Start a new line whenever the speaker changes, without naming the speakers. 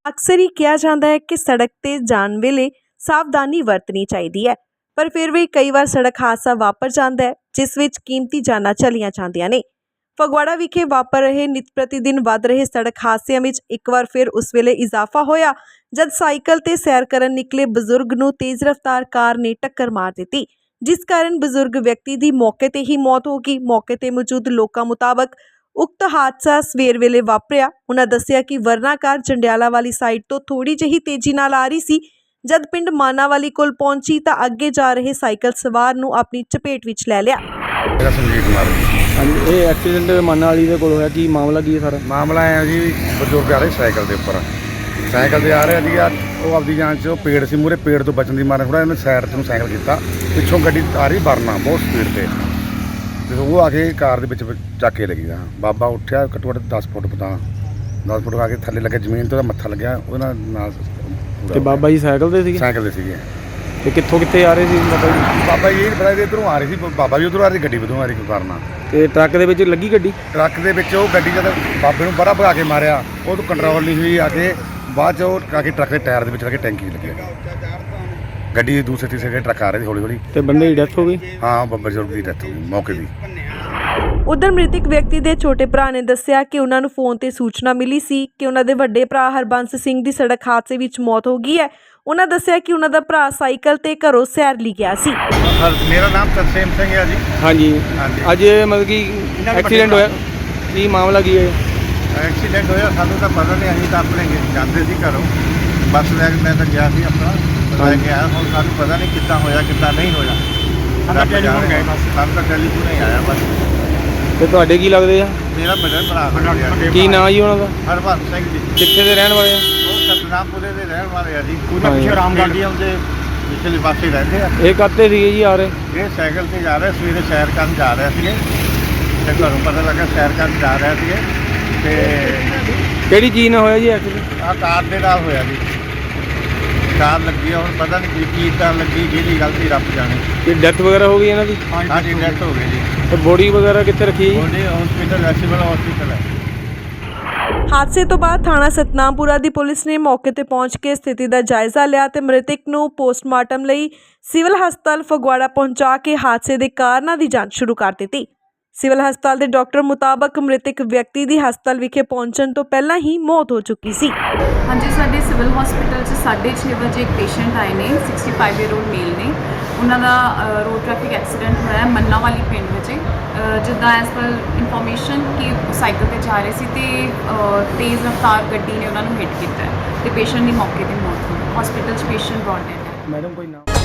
ਅਕਸਰ ਹੀ ਕਿਹਾ ਜਾਂਦਾ ਹੈ ਕਿ ਸੜਕ ਤੇ ਜਾਣ ਵੇਲੇ ਸਾਵਧਾਨੀ ਵਰਤਣੀ ਚਾਹੀਦੀ ਹੈ, ਪਰ ਫਿਰ ਵੀ ਕਈ ਵਾਰ ਸੜਕ ਹਾਦਸਾ ਵਾਪਰ ਜਾਂਦਾ ਹੈ ਜਿਸ ਵਿੱਚ ਕੀਮਤੀ ਜਾਨਾਂ ਚਲੀਆਂ ਜਾਂਦੀਆਂ ਨੇ। ਫਗਵਾੜਾ ਵਿਖੇ ਵਾਪਰ ਰਹੇ ਨਿਤ ਪ੍ਰਤੀ ਦਿਨ ਵੱਧ ਰਹੇ ਸੜਕ ਹਾਦਸਿਆਂ ਵਿੱਚ ਇੱਕ ਵਾਰ ਫਿਰ ਉਸ ਵੇਲੇ ਇਜ਼ਾਫਾ ਹੋਇਆ ਜਦ ਸਾਈਕਲ ਤੇ ਸੈਰ ਕਰਨ ਨਿਕਲੇ ਬਜ਼ੁਰਗ ਨੂੰ ਤੇਜ਼ ਰਫ਼ਤਾਰ ਕਾਰ ਨੇ ਟੱਕਰ ਮਾਰ ਦਿੱਤੀ, ਜਿਸ ਕਾਰਨ ਬਜ਼ੁਰਗ ਵਿਅਕਤੀ ਦੀ ਮੌਕੇ ਤੇ ਹੀ ਮੌਤ ਹੋ ਗਈ। ਮੌਕੇ ਤੇ ਮੌਜੂਦ ਲੋਕਾਂ ਮੁਤਾਬਕ ਉਕਤ ਹਾਦਸਾ ਸਵੇਰ ਵੇਲੇ ਵਾਪਰਿਆ। ਉਹਨਾਂ ਦੱਸਿਆ ਕਿ ਵਰਨਾ ਕਾਰ ਜੰਡਿਆਲਾ ਵਾਲੀ ਸਾਈਡ ਤੋਂ ਥੋੜੀ ਜਿਹੀ ਤੇਜ਼ੀ ਨਾਲ ਆ ਰਹੀ ਸੀ। ਜਦ ਪਿੰਡ ਮਾਨਾਵਾਲੀ ਕੋਲ ਪਹੁੰਚੀ ਤਾਂ ਅੱਗੇ ਜਾ ਰਹੇ ਸਾਈਕਲ ਸਵਾਰ ਨੂੰ ਆਪਣੀ ਚਪੇਟ ਵਿੱਚ ਲੈ ਲਿਆ।
मेरा संजीव कुमार
ਹਾਂਜੀ ਇਹ ਐਕਸੀਡੈਂਟ ਮਾਨਾਵਾਲੀ ਦੇ ਕੋਲ ਹੋਇਆ। ਕੀ ਮਾਮਲਾ ਕੀ ਹੈ ਸਾਰਾ?
मामला है जी, बजुर्ग आ रहे साइकिल के उपर साइकिल से आ रहे ਸੀਗਾ ਉਹ ਆਪਦੀ ਜਾਨ 'ਚ ਉਹ ਪੇੜ ਸੀ ਮੂਹਰੇ ਪੇੜ ਤੋਂ ਬਚਣ ਦੀ ਮਾਰੇ ਥੋੜ੍ਹਾ ਇਹਨੇ ਸਾਈਡ ਤੋਂ ਸਾਈਕਲ ਕੀਤਾ, ਪਿੱਛੋਂ ਗੱਡੀ ਆ ਰਹੀ ਵਰਨਾ ਬਹੁਤ ਸਪੀਡ ਤੇ ਉਹ ਆ ਕੇ ਕਾਰ ਦੇ ਵਿੱਚ ਚੱਕ ਕੇ ਲੱਗੀ। ਹਾਂ ਬਾਬਾ ਉੱਠਿਆ ਘੱਟੋ ਘੱਟ 10 ਫੁੱਟ ਪਤਾ 10 ਫੁੱਟ ਆ ਕੇ ਥੱਲੇ ਲੱਗੇ ਜ਼ਮੀਨ ਤੇ ਉਹਦਾ ਮੱਥਾ ਲੱਗਿਆ ਉਹਦੇ ਨਾਲ
ਤੇ ਬਾਬਾ ਜੀ ਸਾਈਕਲ ਤੇ ਸੀਗੇ?
ਸਾਈਕਲ ਤੇ ਸੀਗੇ।
ਤੇ ਕਿੱਥੇ ਆ ਰਹੇ ਸੀ ਬਾਬਾ ਜੀ?
ਬਾਬਾ ਜੀ ਇਹ ਨਹੀਂ ਪਤਾ ਵੀ ਇੱਧਰੋਂ ਆ ਰਹੀ ਸੀ, ਬਾਬਾ ਜੀ ਉੱਧਰੋਂ ਆ ਰਹੀ, ਗੱਡੀ ਉੱਧਰੋਂ ਆ ਰਹੀ ਕੋਈ ਵਰਨਾ।
ਤੇ ਟਰੱਕ ਦੇ ਵਿੱਚ ਲੱਗੀ ਗੱਡੀ?
ਟਰੱਕ ਦੇ ਵਿੱਚ ਉਹ ਗੱਡੀ ਜਦ ਬਾਬੇ ਨੂੰ ਬੜਾ ਭਗਾ ਕੇ ਮਾਰਿਆ ਉਹ ਤੋਂ ਕੰਟਰੋਲ ਨਹੀਂ ਹੋਈ, ਆ ਕੇ ਬਾਅਦ 'ਚ ਉਹ ਆ ਕੇ ਟਰੱਕ ਦੇ ਟਾਇਰ ਦੇ ਵਿੱਚ ਲੱਗੇ ਟੈਂਕੀ ਲੱਗਿਆ। ਗੱਡੀ ਦੂਸਰੇ ਤੀਸਰੇ ਟਰੱਕ ਆ ਰਹੇ ਸੀ ਹੌਲੀ ਹੌਲੀ।
ਤੇ ਬੰਦੇ ਦੀ ਡੈਥ ਹੋ ਗਈ?
ਹਾਂ ਬਜ਼ੁਰਗ ਦੀ ਡੈਥ ਹੋ ਗਈ ਮੌਕੇ ਦੀ।
ਉਧਰ ਮ੍ਰਿਤਕ ਵਿਅਕਤੀ ਦੇ ਛੋਟੇ ਭਰਾ ਨੇ ਦੱਸਿਆ ਕਿ ਉਹਨਾਂ ਨੂੰ ਫੋਨ ਤੇ ਸੂਚਨਾ ਮਿਲੀ ਸੀ ਕਿ ਉਹਨਾਂ ਦੇ ਵੱਡੇ ਭਰਾ ਹਰਬੰਸ ਸਿੰਘ ਦੀ ਸੜਕ ਹਾਦਸੇ ਵਿੱਚ ਮੌਤ ਹੋ ਗਈ ਹੈ। ਉਹਨਾਂ ਦੱਸਿਆ ਕਿ ਉਹਨਾਂ ਦਾ ਭਰਾ ਸਾਈਕਲ ਤੇ ਘਰੋਂ ਸੈਰ ਲਈ ਗਿਆ ਸੀ।
ਮੇਰਾ ਨਾਮ ਤਰਸੇਮ ਸਿੰਘ ਹੈ ਜੀ।
ਹਾਂਜੀ ਅੱਜ ਮਤਲਬ ਕਿ ਐਕਸੀਡੈਂਟ ਹੋਇਆ, ਕੀ ਮਾਮਲਾ ਕੀ ਹੈ?
ਐਕਸੀਡੈਂਟ ਹੋਇਆ ਸਾਨੂੰ ਤਾਂ ਪਤਾ ਨਹੀਂ, ਅਸੀਂ ਤਾਂ ਆਪਣੇ ਜਾਂਦੇ ਸੀ ਘਰੋਂ ਬੱਸ ਲੈ ਕੇ, ਮੈਂ ਤਾਂ ਗਿਆ ਸੀ ਆਪਣਾ ਲੈ ਕੇ ਆਇਆ। ਹੁਣ ਸਾਨੂੰ ਪਤਾ ਨਹੀਂ ਕਿੱਦਾਂ ਹੋਇਆ ਕਿੱਦਾਂ ਨਹੀਂ ਹੋਇਆ। ਸਾਨੂੰ ਤਾਂ ਟੈਲੀਫੋਨ ਹੀ ਆਇਆ ਬਸ।
ਤੇ ਤੁਹਾਡੇ ਕੀ ਲੱਗਦੇ ਆ?
ਮੇਰਾ ਵੱਡਾ ਭਰਾ
ਕੀ ਨਾਂ ਜੀ ਉਹਨਾਂ ਦਾ?
ਹਰਬੰਸ ਸਿੰਘ ਜੀ।
ਕਿੱਥੇ ਦੇ ਰਹਿਣ ਵਾਲੇ ਆ?
ਉਹ ਸਤਨਾਮਪੁਰੇ ਦੇ ਰਹਿਣ ਵਾਲੇ ਆ ਜੀ। ਪੂਰਾ ਪਿੱਛੇ ਰਾਮਗੜ੍ਹ ਦੇ ਪਿਛਲੇ ਪਾਸੇ ਰਹਿੰਦੇ ਆ।
ਇਹ ਕੱਤੇ ਸੀਗੇ ਜੀ ਆ ਰਹੇ?
ਇਹ ਸਾਈਕਲ ਤੇ ਜਾ ਰਹੇ ਸਵੇਰੇ ਸੈਰ ਕਰਨ ਜਾ ਰਹੇ ਸੀਗੇ ਤੇ ਘਰੋਂ ਪਤਾ ਲੱਗਾ ਸੈਰ ਕਰਨ ਜਾ ਰਹੇ ਸੀਗੇ ਤੇ
ਕਿਹੜੀ ਚੀਜ਼ ਨਾਲ ਹੋਇਆ ਜੀ ਐਕਸੀਡੈਂਟ?
ਆਹ ਕਾਰ ਦੇ ਨਾਲ ਹੋਇਆ ਜੀ। ਕਾਰ ਲੱਗੀ ਆ, ਹੁਣ ਪਤਾ ਨਹੀਂ ਕੀ ਕਾਰ ਲੱਗੀ, ਜਿਹਦੀ ਗਲਤੀ ਰੱਬ ਜਾਣੇ।
ਕੀ ਡੈਥ ਵਗੈਰਾ ਹੋ ਗਈ ਇਹਨਾਂ ਦੀ?
ਹਾਂਜੀ ਡੈਥ ਹੋ ਗਈ ਜੀ।
ਤੇ ਬੋਡੀ ਵਗੈਰਾ ਕਿੱਥੇ ਰੱਖੀ ਜੀ?
ਉਹਦੇ ਹਸਪੀਟਲ ਸਿਵਲ ਹਸਪੀਟਲ ਹੈ।
ਹਾਦਸੇ ਤੋਂ ਬਾਅਦ ਥਾਣਾ ਸਤਨਾਮਪੁਰਾ ਦੀ ਪੁਲਿਸ ਨੇ ਮੌਕੇ ਤੇ ਪਹੁੰਚ ਕੇ ਸਥਿਤੀ ਦਾ ਜਾਇਜ਼ਾ ਲਿਆ ਤੇ ਮ੍ਰਿਤਕ ਨੂੰ ਪੋਸਟਮਾਰਟਮ ਲਈ ਸਿਵਲ ਹਸਪਤਾਲ ਫਗਵਾੜਾ ਪਹੁੰਚਾ ਕੇ ਹਾਦਸੇ ਦੇ ਕਾਰਨਾਂ ਦੀ ਜਾਂਚ ਸ਼ੁਰੂ ਕਰ ਦਿੱਤੀ। ਸਿਵਲ ਹਸਪਤਾਲ ਦੇ ਡਾਕਟਰ ਮੁਤਾਬਕ ਮ੍ਰਿਤਕ ਵਿਅਕਤੀ ਦੀ ਹਸਪਤਾਲ ਵਿਖੇ ਪਹੁੰਚਣ ਤੋਂ ਪਹਿਲਾਂ ਹੀ ਮੌਤ ਹੋ ਚੁੱਕੀ ਸੀ।
ਹਾਂਜੀ, ਸਾਡੇ ਸਿਵਲ ਹਸਪੀਟਲ 'ਚ 6:30 ਵਜੇ ਇੱਕ ਪੇਸ਼ੈਂਟ ਆਏ ਨੇ, 65 ਈਅਰ ਓਲਡ ਮੇਲ ਨੇ। ਉਹਨਾਂ ਦਾ ਰੋਡ ਟ੍ਰੈਫਿਕ ਐਕਸੀਡੈਂਟ ਹੋਇਆ ਹੈ ਮੰਨਾਵਾਲੀ ਪਿੰਡ ਵਿੱਚ। ਜਿੱਦਾਂ ਐਸ ਪਰ ਇਨਫੋਰਮੇਸ਼ਨ ਕਿ ਸਾਈਕਲ ਤੇ ਜਾ ਰਹੇ ਸੀ ਤੇ ਤੇਜ਼ ਰਫ਼ਤਾਰ ਗੱਡੀ ਨੇ ਉਹਨਾਂ ਨੂੰ ਹਿੱਟ ਕੀਤਾ ਤੇ ਪੇਸ਼ੈਂਟ ਦੀ ਮੌਕੇ ਤੇ ਮੌਤ ਹੋ ਗਈ। ਹਸਪੀਟਲ 'ਚ ਪੇਸ਼ੈਂਟ ਬ੍ਰੌਟ ਡੈਡ ਹੈ।
ਮੈਡਮ ਕੋਈ ਨਾਮ?